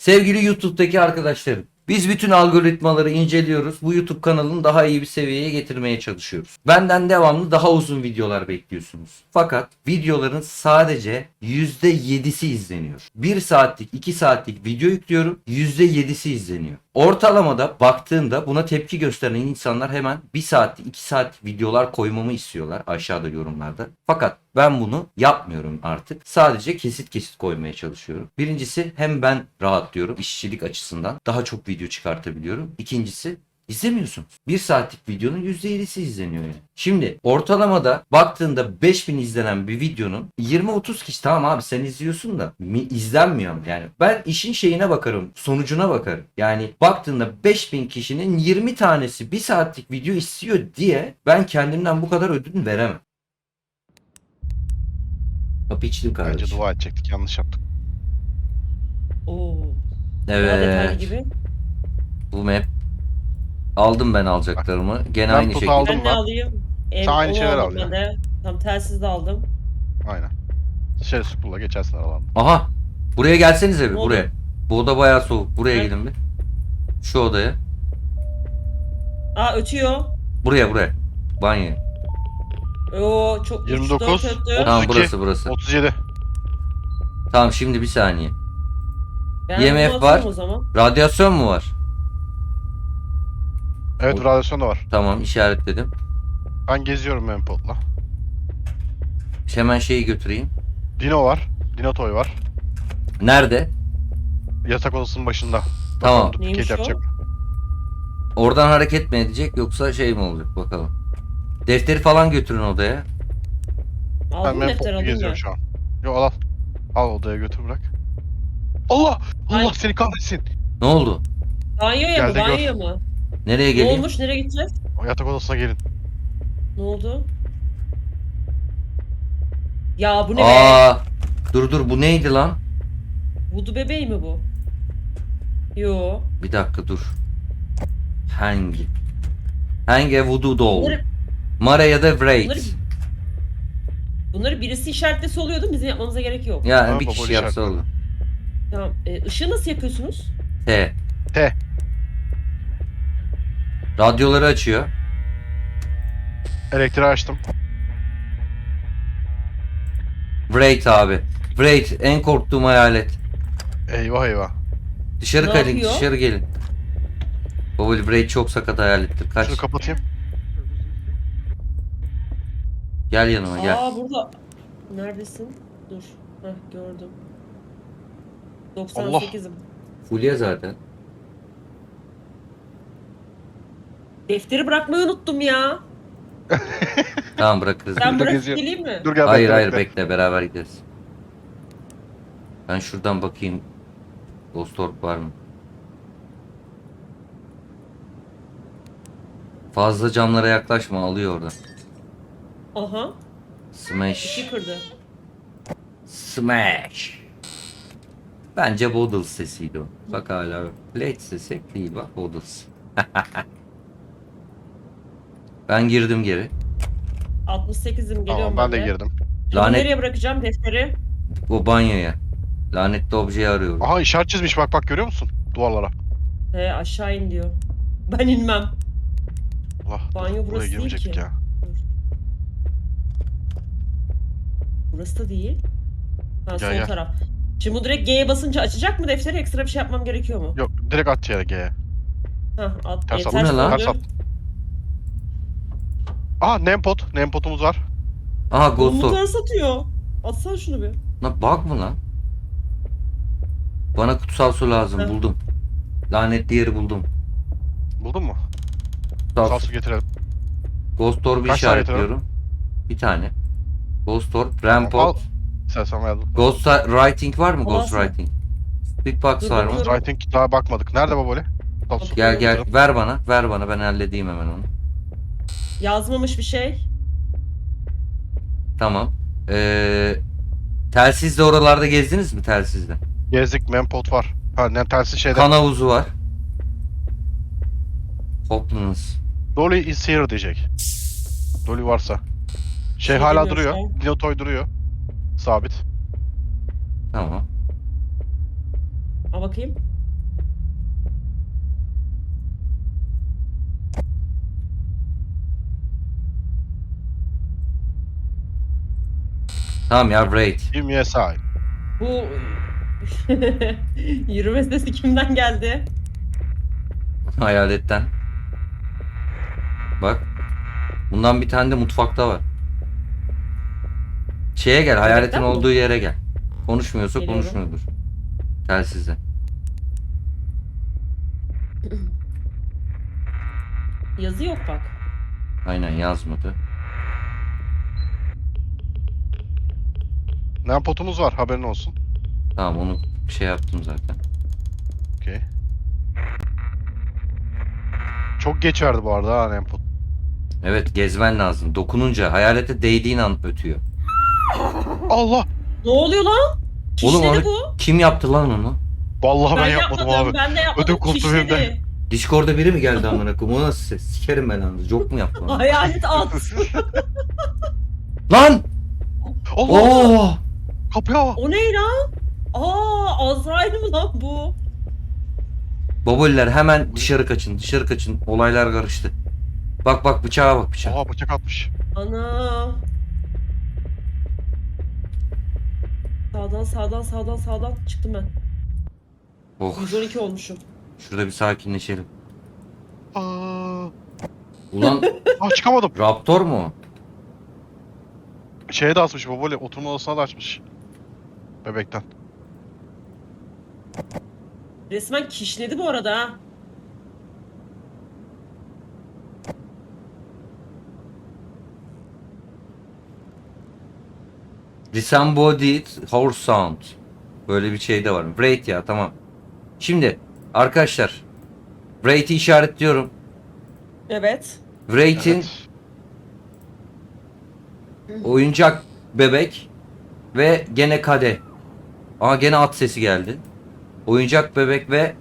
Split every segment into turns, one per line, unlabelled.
Sevgili YouTube'daki arkadaşlarım, biz bütün algoritmaları inceliyoruz. Bu YouTube kanalını daha iyi bir seviyeye getirmeye çalışıyoruz. Benden devamlı daha uzun videolar bekliyorsunuz. Fakat videoların sadece %7'si izleniyor. 1 saatlik, 2 saatlik video yüklüyorum, %7'si izleniyor. Ortalamada baktığında buna tepki gösteren insanlar hemen 1 saatlik, 2 saatlik videolar koymamı istiyorlar aşağıda yorumlarda. Fakat ben bunu yapmıyorum artık. Sadece kesit kesit koymaya çalışıyorum. Birincisi hem ben rahatlıyorum işçilik açısından. Daha çok video çıkartabiliyorum. İkincisi İzlemiyorsun. 1 saatlik videonun %7'si izleniyor yani. Şimdi ortalamada baktığında 5000 izlenen bir videonun 20-30 kişi tamam abi sen izliyorsun da izlenmiyor yani. Ben işin şeyine bakarım, sonucuna bakarım. Yani baktığında 5000 kişinin 20 tanesi 1 saatlik video istiyor diye ben kendimden bu kadar ödün veremem. Kapı içtim
Bence
kardeşim.
dua edecektik. Yanlış yaptık.
Oo. Daha detaylı
Evet.
gibi.
Bu map. Aldım ben alacaklarımı. Gene
Ben
aynı
tut
şekilde.
aldım.
Ben ne alayım?
Sen aynı
Onu
şeyler
aldım
al ya.
ben de. Tam telsiz de aldım.
Aynen. Dışarı süpürle geçersin aralarında.
Aha. Buraya gelsenize bir
Ne oldu?
buraya. Bu oda bayağı soğuk. Buraya
Evet.
gidin bir. Şu odaya.
Ötüyor.
Buraya. Banyo.
Oo çok
29,
3-4 öttü.
32,
Tamam burası.
37.
Tamam şimdi bir saniye.
Ben
IMF
bunu
var.
atıyorum o zaman.
Radyasyon mu var?
Evet
O-
radyasyon da var.
Tamam işaretledim.
Ben geziyorum Mempot'la.
Hemen şeyi götüreyim.
Dino var. Dino Toy var.
Nerede?
Yatak odasının başında.
Tamam.
Bakalım
Neymiş
duplicate
o?
yapacak.
Oradan hareket mi edecek yoksa şey mi olacak bakalım. Defteri falan götürün odaya.
Ben
Aldım defter
Mempot'la
aldım
geziyorum
ya.
şu an. Yo al. Al odaya götür bırak. Allah! Allah
Ay.
seni kahretsin.
Ne oldu?
Banyoya
Gel
mı?
de gör.
Banyoya mı?
Nereye
Ne
geleyim?
olmuş? Nereye gideceğiz?
O yatak odasına gelin.
Ne oldu? Ya bu ne be?
Aa, dur bu neydi lan?
Vudu bebeği mi bu? Yo.
Bir dakika dur. Hangi? Hangi voodoo doll?
Bunları,
Mara ya da
bunları,
Wraith.
bunları birisi işaretlese oluyordu. Bizim yapmamıza gerek yok.
Yani
Tamam,
bir
baboli
kişi yapsa
işaretledim.
olur.
Tamam. Işığı nasıl yapıyorsunuz?
T.
T.
Radyoları açıyor.
Elektriği açtım.
Wraith abi. Wraith en korktuğum hayalet.
Eyvah eyvah.
Dışarı
Ne
gelin,
yapıyor?
dışarı gelin. Baboli Wraith çok sakat hayalettir. Kaç.
Şunu kapatayım.
Gel yanıma gel.
Burada. Neredesin? Dur. Heh gördüm. 98'im.
Fulya zaten.
Defteri bırakmayı unuttum ya.
Tamam bırakırız.
Ben
Burada
bırakıp
geziyor.
geleyim mi?
Dur gel
Hayır
bekle.
bekle beraber gideriz. Ben şuradan bakayım. Ghost Orb var mı? Fazla camlara yaklaşma alıyor orada.
Aha.
Smash.
İki kırdı.
Smash. Bence Boodles sesiydi o. Bak hala Blade sesi değil bak Boodles. Ben girdim geri.
68'im geliyorum
Tamam ben de girdim.
Şimdi
Lanet
nereye bırakacağım defteri?
o banyoya. Lanetli objeyi arıyorum.
Aha işaret çizmiş bak görüyor musun? Duvarlara.
Aşağı in diyor. Ben inmem.
Allah.
Banyo
Buraya
burası değil
girmeyecektik
ki.
ya.
Dur. Burası da değil. Ha
Gel,
sol
gel.
taraf. Şimdi bu direkt G'ye basınca açacak mı defteri? Ekstra bir şey yapmam gerekiyor mu?
Yok direkt at yere G'ye.
Ha at.
Ters at.
Bu ne lan?
Ters at. Aha Nempot. Nempot'umuz var.
Aha Ghost
Bunu
Orb.
ters atıyor. Atsana şunu bir.
Lan bak mı lan? Bana kutsal su lazım
Heh.
buldum. Lanetli yeri buldum.
Buldun mu?
Kutsal
Sağ
su.
su getirelim.
Ghost Orb'u
Kaç tane
işaretliyorum. Bir tane. Ghost Orb,
Tamam,
Rampart.
al. İstersen verdim.
Ghost Writing var mı? Ghost
Alasın.
Writing. Speedbox
Dur,
var mı?
bakıyorum.
I think daha bakmadık. Nerede baboli? Sağ su.
Gel ver bana ben halledeyim hemen onu.
Yazmamış bir şey.
Tamam. Telsizle oralarda gezdiniz mi telsizle?
Gezdik Mempot var. Ha ne tersi şeyde.
Kan havuzu var. Hoplanız.
Dolly is here diyecek. Dolly varsa. Şey hala
demiyor
duruyor.
şu an.
Dino Toy duruyor. Sabit.
Tamam.
Al bakayım.
Tamam ya, Braid.
Give me a sign.
Bu yürüme sesi kimden geldi?
Hayaletten. Bak. Bundan bir tane de mutfakta var. Şeye gel, hayaletin
mi?
olduğu yere gel. Konuşmuyorsa
Geliyorum.
konuşmuyordur. Telsizle.
Yazı yok bak.
Aynen, yazmadı.
Nem potumuz var, haberin olsun.
Tamam, onu şey yaptım zaten.
Okey. Çok geç verdi bu arada ha nem pot.
Evet, gezmen lazım. Dokununca hayalete değdiğin an ötüyor.
Allah!
Ne oluyor lan?
Oğlum
Kişnedi
onu
bu.
kim yaptı lan onu?
Vallahi ben yapmadım abi.
Ben de yapmadım.
Ödüm koptu benim de.
Kişnedi.
Discord'da biri mi geldi amına koyayım? O nasıl ses? Sikerim ben anı. Joke mu yaptı onu?
Hayalet at.
Lan!
Allah!
Oo!
Kapıya bak.
O ne lan? Azrail mi lan bu?
Baboliler hemen dışarı kaçın. Dışarı kaçın. Olaylar karıştı. Bak bak, bıçağa bak, bıçağa.
Oha bıçak atmış.
Ana. Sağdan çıktım ben.
Oh.
112 olmuşum.
Şurada bir sakinleşelim.
Aa,
Ulan
çıkamadım.
Raptor mu o?
Şeye de asmış baboli. Oturma odasına da açmış. Bebekten.
Resmen kişnedi bu arada ha.
Disembodied Horse Sound. Böyle bir şey de var. Braid ya, tamam. Şimdi arkadaşlar, Braid'i işaretliyorum.
Evet.
Braid'in oyuncak bebek ve gene kadeh. Aa, gene at sesi geldi. Oyuncak bebek ve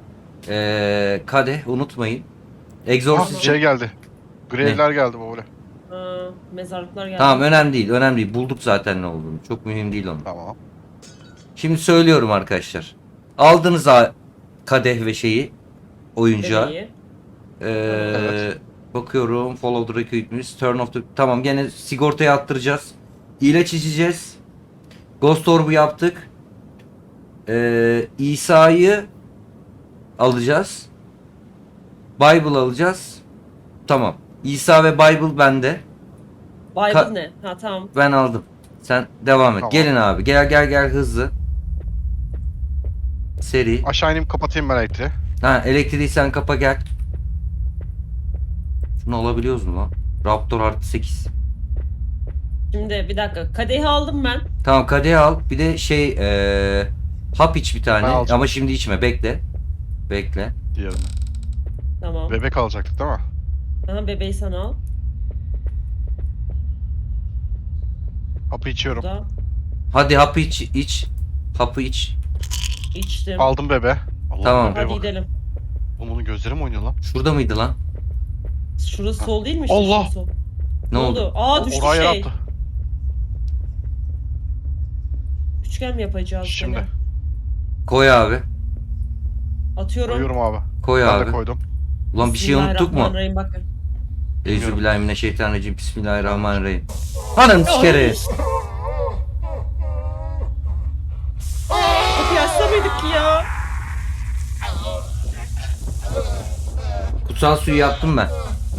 kadeh unutmayın. Exorcist.
Şey geldi. Grevler geldi baboli.
Mezarlıklar geldi.
Tamam, önemli değil, önemli değil. Bulduk zaten ne olduğunu. Çok mühim değil onu.
Tamam.
Şimdi söylüyorum arkadaşlar. Aldınız kadeh ve şeyi, oyuncağı.
Bebeği.
Evet.
Bakıyorum. Follow the recruitments. Turn off the... Tamam, gene sigortaya attıracağız. İlaç içeceğiz. Ghost Orb'u yaptık. İsa'yı alacağız. Bible alacağız. Tamam. İsa ve Bible bende.
Bible ne? Ha tamam.
Ben aldım. Sen devam et.
Tamam.
Gelin abi. Gel hızlı. Seri.
Aşağı ineyim kapatayım ben elektriği.
Ha, elektriği sen kapa, gel. Şunu alabiliyoruz mu lan? Raptor artı 8.
Şimdi bir dakika. Kadehi aldım ben.
Tamam, kadehi al. Bir de şey hap iç bir tane.
Ben alacağım.
Ama şimdi içme. Bekle. Bekle.
Diğerini.
Tamam.
Bebek alacaktık değil mi?
Aha, bebeği sen al.
Hapı içiyorum.
Burada.
Hadi hapı iç. Hapı iç.
İçtim.
Aldım bebe. Allah
Tamam.
bebeğe
Hadi
bak.
gidelim.
Oğlum onun gözleri mi oynuyor lan?
Şurada mıydı lan?
Şurası sol değil mi? işte?
Allah!
Şurası sol.
Ne oldu?
Aa, düştü
Oraya
şey.
yaptı.
Üçgen mi yapacağız?
Şimdi.
gene?
Koy abi.
Atıyorum.
Koyuyorum abi.
Koy
Ben de
abi.
koydum.
Ulan bir şey unuttuk mu?
Bismillahirrahmanirrahim, bakın.
Euzubillahimineşşeytanirracim. Bismillahirrahmanirrahim. Hanım sikeri.
Kapıyı açsa mıydık ki ya?
Kutsal suyu yaptım ben.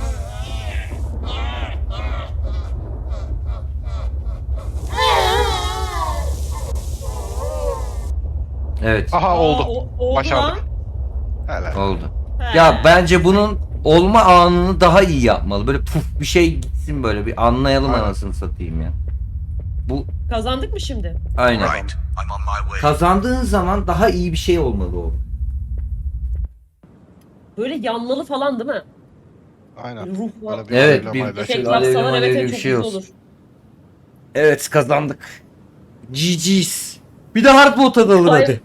Evet,
Aha oldu.
Oldu
Başardık.
lan.
Helal.
oldu.
He.
Ya bence bunun olma anını daha iyi yapmalı. Böyle puf bir şey gitsin, böyle bir anlayalım
Aynen.
anasını satayım ya. Bu
Kazandık mı şimdi?
aynen.
Right, I'm on my way.
Kazandığın zaman daha iyi bir şey olmalı o.
Böyle yanmalı falan değil mi?
Aynen.
Ruh var.
Böyle bir
Evet,
alevle
bir
mayla
Efekt
şey.
Alevli
yapsalar
malevli
evet
bir
çok
şey
güzel
olsun.
olur.
Evet, kazandık. GG's. Bir de hard mode alalım
Hayır.
hadi.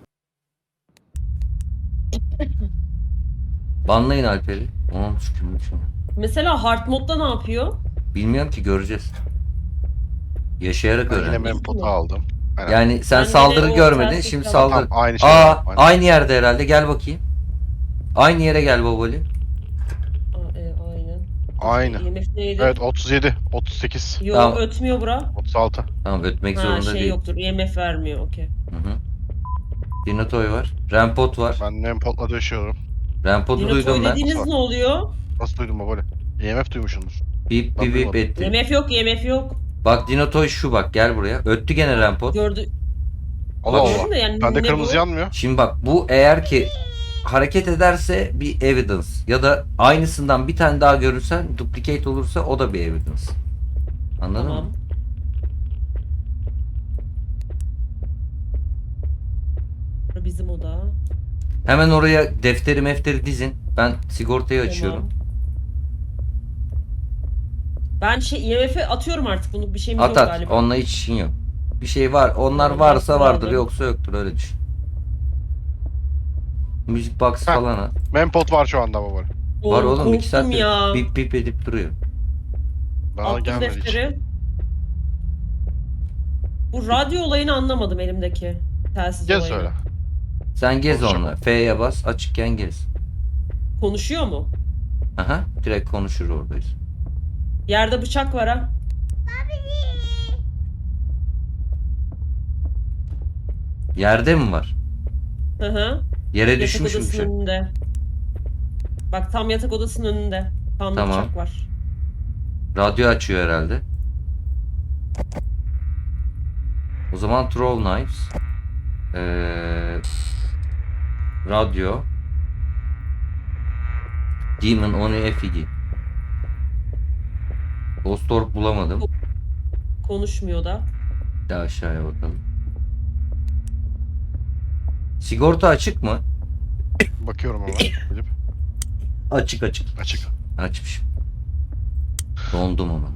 Banlayın Alper'i. Onun şükürlük şu an.
Mesela hard modda ne yapıyor?
Bilmiyorum ki, göreceğiz. Yaşayarak
Ben yine
öğren.
mempotu aldım. Aynen.
Yani sen
Ben
saldırı
yine o
görmedin,
ters
şimdi
yapacağım.
saldır.
Tamam, aynı şey.
Aa,
Aynen.
aynı yerde herhalde. Gel bakayım. Aynı yere gel baboli.
Aynen.
Aynı.
IMF neydi?
Evet 37, 38,
Yok
Tamam.
ötmüyor bura.
36.
Tamam, ötmek
Ha
zorunda
şey
değil.
yoktur. IMF vermiyor okey.
Hı hı. Dinotoy var. Rampot var.
Ben Nempot'la döşüyorum.
Rampot'u
Dinotoy
duydum ben.
dediğiniz ne oluyor?
Nasıl duydun babali? EMF duymuşsundur.
Bip
Ben
bip bip
duymadım.
etti.
IMF yok IMF yok.
Bak Dinotoy şu, bak gel buraya. Öttü gene Rampot.
Gördü.
Allah
Bak,
Gördün de yani
Bende
ne
kırmızı
bu?
yanmıyor.
şimdi bak, bu eğer ki hareket ederse bir evidence, ya da aynısından bir tane daha görürsen duplicate olursa o da bir evidence. Anladın
Tamam.
mı?
Bura bizim oda.
Hemen oraya defteri mefteri dizin. Ben sigortayı açıyorum.
Tamam. Ben şey IMF'e atıyorum artık, bunu bir şeyimiz
At
yok
at.
galiba.
Onunla hiç işin yok. Bir şey var. Onlar
Tamam,
varsa
ben
vardır,
kullandım.
yoksa yoktur, öyle düşün. Müzik box
Heh.
falan at.
Nempot var şu anda babali.
Var oğlum, 2
korktum
saattir
ya.
bip bip edip duruyor.
Bana
Attım
gelmedi hiç.
defteri. Bu radyo olayını anlamadım elimdeki. Telsiz
Gel
olayını.
söyle.
Sen gez
Konuşacak
onunla. F'ye bas, açıkken gez.
Konuşuyor mu?
Aha, direkt konuşur oradayız.
Yerde bıçak var ha.
Yerde mi var?
Hı hı.
Yere
Yatak
düşmüş mü
odasının
bıçak?
önünde. Bak tam yatak odasının önünde. Tam da
Tamam.
bıçak var.
Radyo açıyor herhalde. O zaman throw knives. Radyo. Demon onu efigi. Ghost Orb bulamadım.
Konuşmuyor da.
Bir daha aşağıya bakalım. Sigorta açık mı?
Bakıyorum ama. Bilip.
Açık açık.
Açık.
Açmışım. Dondum ama.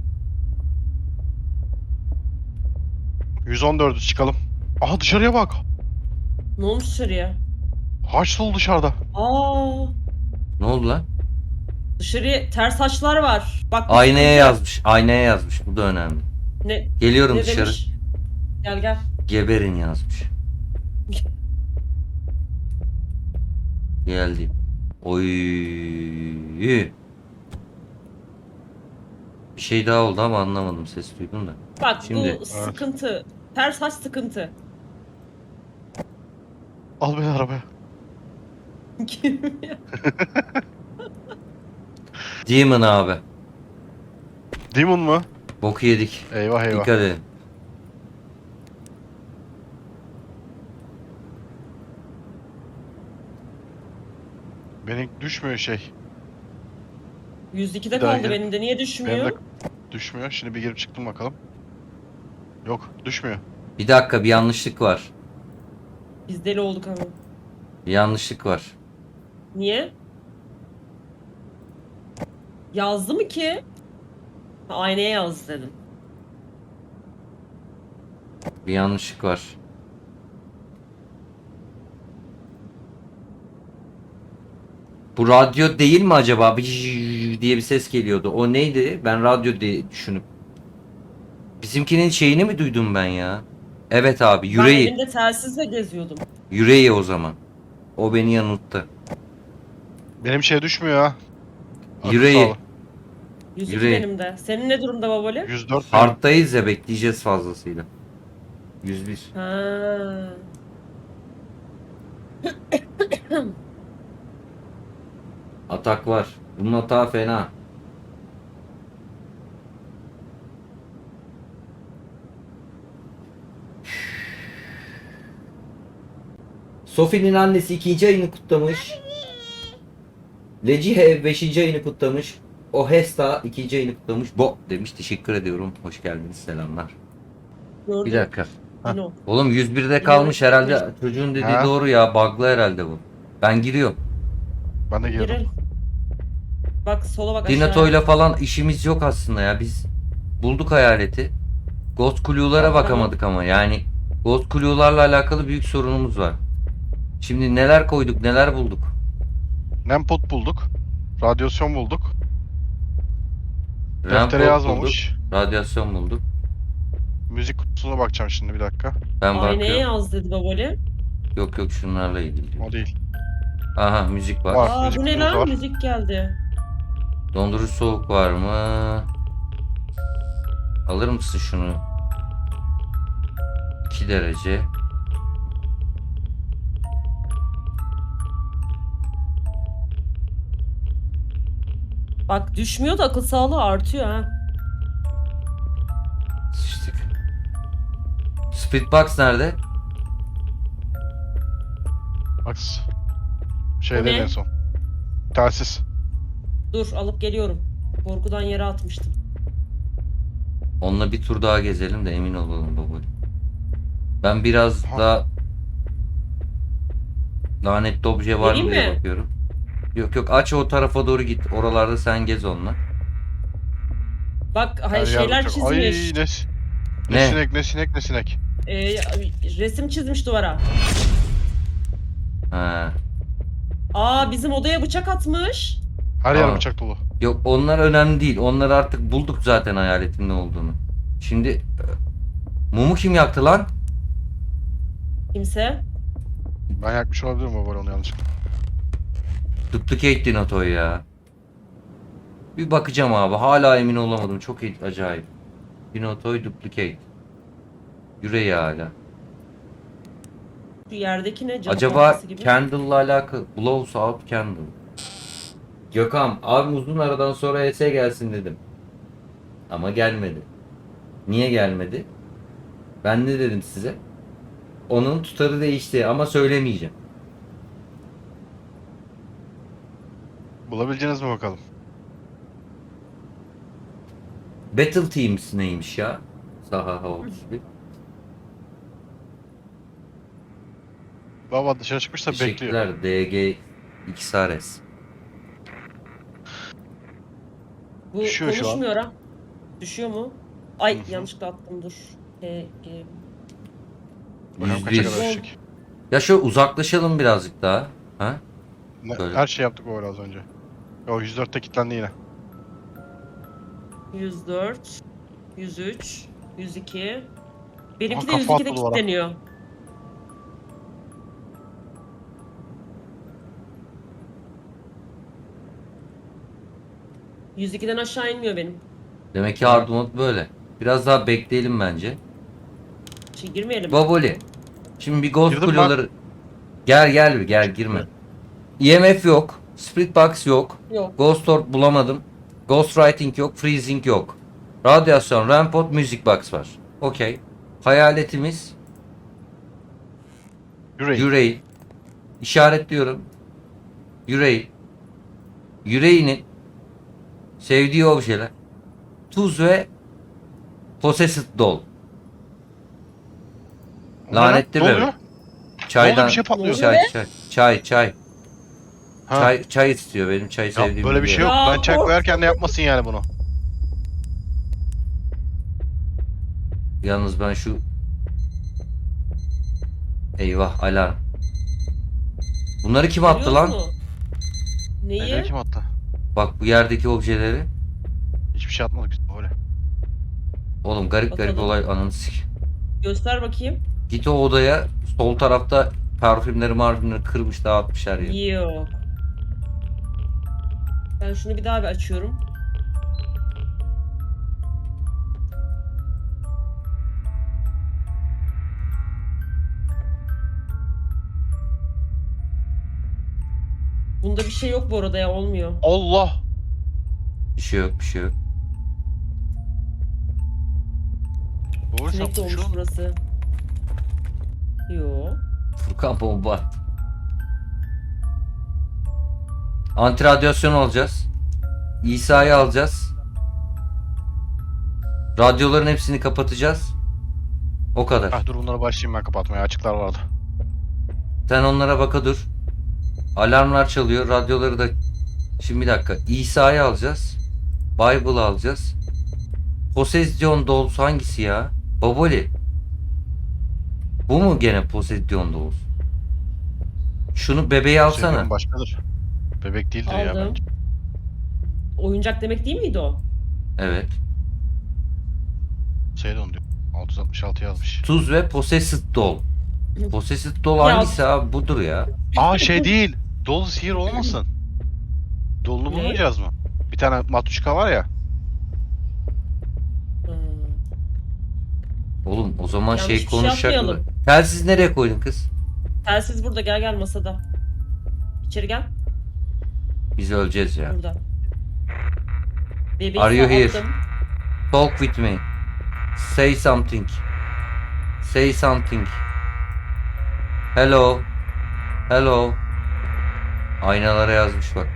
114'ü çıkalım. Aha dışarıya bak.
Ne olmuş dışarıya?
Haç dolu dışarıda.
Aa,
Ne oldu lan?
dışarıya ters haçlar var. Bak bu
Aynaya
sıkıntı.
yazmış. Aynaya yazmış. Bu da önemli.
Ne,
Geliyorum
ne
dışarı.
demiş? Gel gel.
Geberin yazmış. Geldim. Oy. Bir şey daha oldu ama anlamadım. Ses duydum da.
Bak
Şimdi-
bu sıkıntı. Ters haç sıkıntı.
Al beni arabaya.
Demon abi.
Demon mu?
Boku yedik.
Eyvah eyvah.
Dikkat edin.
Benim düşmüyor şey.
102'de
Bir daha
kaldı
gel.
benim de. Niye düşmüyor?
Benim de düşmüyor. Şimdi bir girip çıktım bakalım. Yok düşmüyor.
Bir dakika, bir yanlışlık var.
Biz deli olduk ama.
Bir yanlışlık var.
Niye? Yazdı mı ki? Ha, aynaya yazdı dedim.
Bir yanlışlık var. Bu radyo değil mi acaba? Diye bir ses geliyordu. O neydi? Ben radyo diye düşünüp. Bizimkinin şeyini mi duydum ben ya? Evet abi,
Ben
yüreği.
elimde telsizle geziyordum.
Yüreği o zaman. O beni yanılttı.
Benim şey düşmüyor ha. Akıl
Yüreği.
sağlığı.
102
Yüreği.
benim de. Senin ne durumda babali?
104 benim.
Hard'dayız ya, bekleyeceğiz fazlasıyla. 101.
Ha.
Atak var. Bunun atağı fena. Sophie'nin annesi 2. ayını kutlamış. Lecihe 5. ayını kutlamış. Ohesta 2. ayını kutlamış. Bo demiş. Teşekkür ediyorum. Hoş geldiniz. Selamlar.
Gördüm.
Bir dakika.
Dino.
Oğlum 101'de kalmış herhalde. Çocuğun dediği
Ha?
doğru ya. Bug'lı herhalde bu. Ben giriyorum.
Ben de girdim.
Girelim. Bak sola bak aşağı.
Dinato'yla falan işimiz yok aslında ya. Biz bulduk hayaleti. Ghost Clue'lara
Tamam.
bakamadık ama yani Ghost Clue'larla alakalı büyük sorunumuz var. Şimdi neler koyduk, neler bulduk.
Nempot bulduk. Radyasyon bulduk.
Rampart
Deftere yazmamış.
bulduk, radyasyon bulduk.
Müzik kutusuna bakacağım şimdi bir dakika.
Ben
Aynaya
bakıyorum.
yaz dedi babali.
Yok yok, şunlarla ilgili.
O değil.
Aha, müzik var.
Var.
Aa
müzik
bu ne
kutumuz
lan?
var.
Müzik geldi.
Dondurucu soğuk var mı? Alır mısın şunu? 2 derece.
Bak düşmüyor da akıl sağlığı artıyor ha.
Sıçtık. Speedbox nerede?
Bak.
O
Şeyde
ne?
en son. Telsiz.
Dur alıp geliyorum. Korkudan yere atmıştım.
Onunla bir tur daha gezelim de emin olalım baba. Ben biraz
Aha.
daha lanetli obje var mı
Geleyim
diye
mi?
bakıyorum. Yok yok, aç o tarafa doğru git. Oralarda sen gez onunla.
Bak
Her
hayır,
yer
şeyler
bıçak. Ay
çizmiş.
ne
Ne?
sinek ne sinek ne sinek.
Ee, resim çizmiş duvara.
Ha.
Aa bizim odaya bıçak atmış.
Her yer
Aa.
bıçak dolu.
Yok, onlar önemli değil. Onları artık bulduk zaten, hayaletin ne olduğunu. Şimdi mumu kim yaktı lan?
Kimse.
Ben yakmış olabilirim baba onu yanlışlıkla.
Duplicate Dinotoy ya. Bir bakacağım abi. Hala emin olamadım. Çok acayip. Dinotoy Duplicate. Yüreği hala.
Şu yerdeki ne? Cadı
Acaba
tahtası gibi.
Candle'la alakalı. Blows out candle. Gökhan abim uzun aradan sonra ES gelsin dedim. Ama gelmedi. Niye gelmedi? Ben ne dedim size? Onun tutarı değişti ama söylemeyeceğim.
Bulabileceğiniz mi bakalım?
Battle Teams neymiş ya? Saha House.
Baba dışarı çıkmışsa bekliyor.
Teşekkürler DG XRS.
Bu
Düşüyor şu an.
konuşmuyor ha. Düşüyor mu? Ay
Hı hı.
yanlışlıkla attım dur.
Bakalım kaça
101.
kadar düşecek.
Ya şöyle uzaklaşalım birazcık daha. Ha? Böyle.
Her şey yaptık o az önce. O 104'te kilitlendi yine.
104, 103, 102. Benimki de
Aha, kafa
102'de
attı duvara.
kilitleniyor. %2'den aşağı inmiyor benim.
Demek ki hard mode böyle. Biraz daha bekleyelim bence.
Girmeyelim.
Baboli. Şimdi bir Ghost
Girdim ben.
Kule'ları... Gel girme. EMF yok. Split Box yok.
Yok.
Ghost Orb bulamadım. Ghost Writing yok. Freezing yok. Radyasyon, Rampot, Music Box var. Okey. Hayaletimiz yüreği. İşaretliyorum. Yüreği. Yüreğinin sevdiği objeler. Tuz ve Possessed Doll. Lanetli
ne
bebek.
oluyor?
Çaydan
Bir şey patlıyor.
çay.
Ha.
Çay istiyor, benim çayı
Ya
sevdiğim.
böyle bir şey yok.
Ya,
Ben çay koyarken de yapmasın yani bunu.
Yalnız ben şu... Eyvah, alarm. Bunları kim attı
Görüyor
lan?
musun? Neyi?
Neleri kim attı?
Bak bu yerdeki objeleri.
Hiçbir şey atmadık biz öyle.
Oğlum garip
Bakalım.
olay, ananı sik.
Göster bakayım.
Git o odaya, sol tarafta parfümleri kırmış, dağıtmış her yeri.
Yok. Ben şunu bir daha bir açıyorum. Bunda bir şey yok bu arada ya, olmuyor.
Allah!
Bir şey yok.
Doğru
Sinek
sen
olmuş
şu
burası. Yo.
Furkan bomba attı. Anti radyasyon alacağız. İsa'yı alacağız. Radyoların hepsini kapatacağız. O kadar.
Ah dur bunları başlayayım ben kapatmaya. Açıklar vardı.
Sen onlara baka dur. Alarmlar çalıyor. Radyoları da... Şimdi bir dakika. İsa'yı alacağız. Bible alacağız. Possession Dolls hangisi ya? Baboli. Bu mu gene Possession Dolls? Şunu bebeği alsana.
Şeylerin başkadır. Bebek değildir ya
Aldım.
bence.
Oyuncak demek değil miydi o?
Evet.
Şeyde onu diyor. 666 yazmış.
Tuz ve Possessed Doll. Possessed Doll
Ya-
hangisi abi? Budur ya.
Aa şey değil. Dolu sihir olmasın. Dolunu
Ne?
bulmayacağız mı? Bir tane matuşka var ya.
Hmm.
Oğlum o zaman
Yanlış bir şey
konuşacaklar.
yapmayalım.
Telsiz nereye koydun kız?
Telsiz burada, gel masada. İçeri gel.
Biz öleceğiz ya.
Burada. Bebeği
Are you here?
attım.
Talk with me. Say something. Say something. Hello. Hello. Aynalara yazmış bak.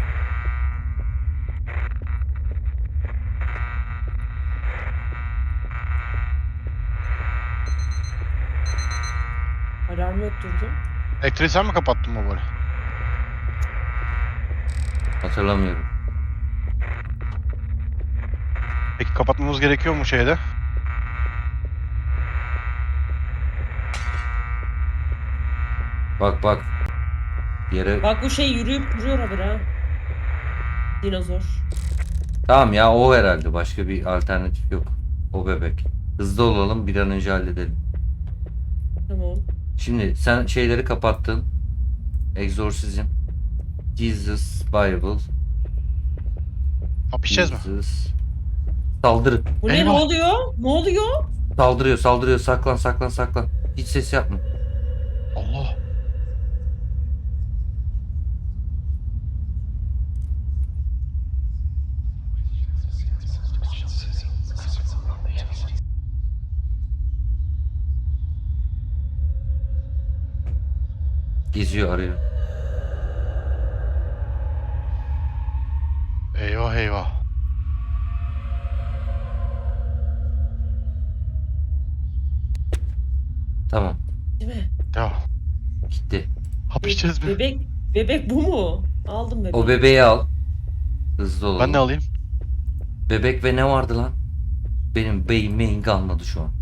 Alarmı öttürdüm.
Elektriği sen mi kapattın mı böyle?
Hatırlamıyorum.
Peki kapatmamız gerekiyor mu şeyde?
Bak bak. Yere...
Bak bu şey yürüyüp duruyor haberi ha. Dinozor.
Tamam ya o herhalde. Başka bir alternatif yok. O bebek. Hızlı olalım bir an önce halledelim.
Tamam.
Şimdi sen şeyleri kapattın. Exorcism. Jesus Bible.
Hapişeceğiz mi?
Jesus. Saldırı.
Bu ne, ne
Eyvah.
oluyor? Ne oluyor?
Saldırıyor saldırıyor. Saklan saklan saklan. Hiç ses yapma.
Allah.
Geziyor arıyor.
Eyvah eyvah.
Tamam.
Değil mi?
Ya
Gitti.
hapişeceğiz mi?
Bebek bu mu? Aldım bebeği.
O bebeği al. Hızlı olalım.
Ben ne alayım?
Bebek ve ne vardı lan? Benim beyin kalmadı şu an.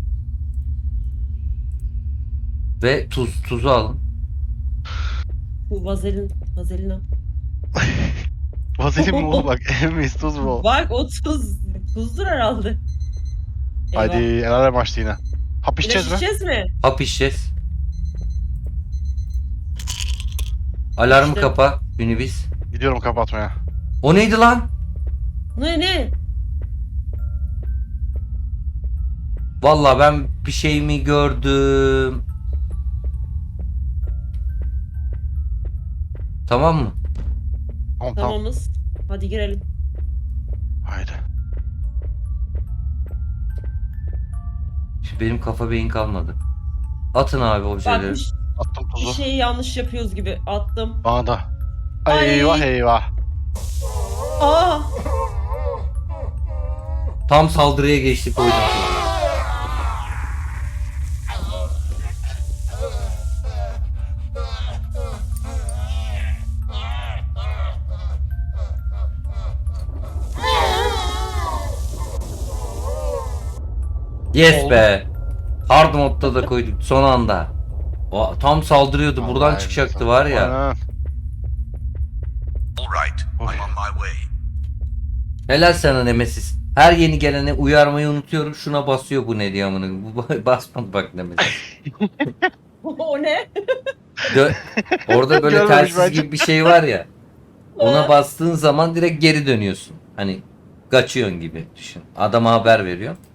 Ve tuzu alın.
Bu vazelin. Vazelin al.
Vazelin mi oğlum bak? Emeyiz tuz mu?
Bak o tuz. Tuzdur herhalde. Eyvah.
Hadi el alem açtı yine. Hapişeceğiz
İlaç
mi?
içeceğiz mi?
Hap içeceğiz. Alarmı
İşte.
kapa. Minibüs.
Gidiyorum kapatmaya.
O neydi lan?
Ne?
Vallahi ben bir şey mi gördüm? Tamam mı?
Tamam.
Tamamız. Hadi girelim.
Haydi.
Şimdi benim kafa beyin kalmadı. Atın abi
Bak
objeleri.
Attım
bir
tuzu.
şeyi yanlış yapıyoruz gibi. Attım.
Bana da.
Ay.
Eyvah eyvah.
Aa!
Tam saldırıya geçtik o yüzden. Yes
Oldu.
be. Hard modda da koyduk son anda. O, tam saldırıyordu. Buradan
Vallahi
çıkacaktı
billahi.
var ya.
Aynen.
All right, I'm
Oy.
on my way.
Helal sana Nemesis. Her yeni gelene uyarmayı unutuyorum. Şuna basıyor bu ne diye amına. Bu basmadı bak Nemesis.
O ne?
Orada böyle
Görmemiş
telsiz
bence.
gibi bir şey var ya. Ona bastığın zaman direkt geri dönüyorsun. Hani kaçıyorsun gibi düşün. Adama haber veriyor.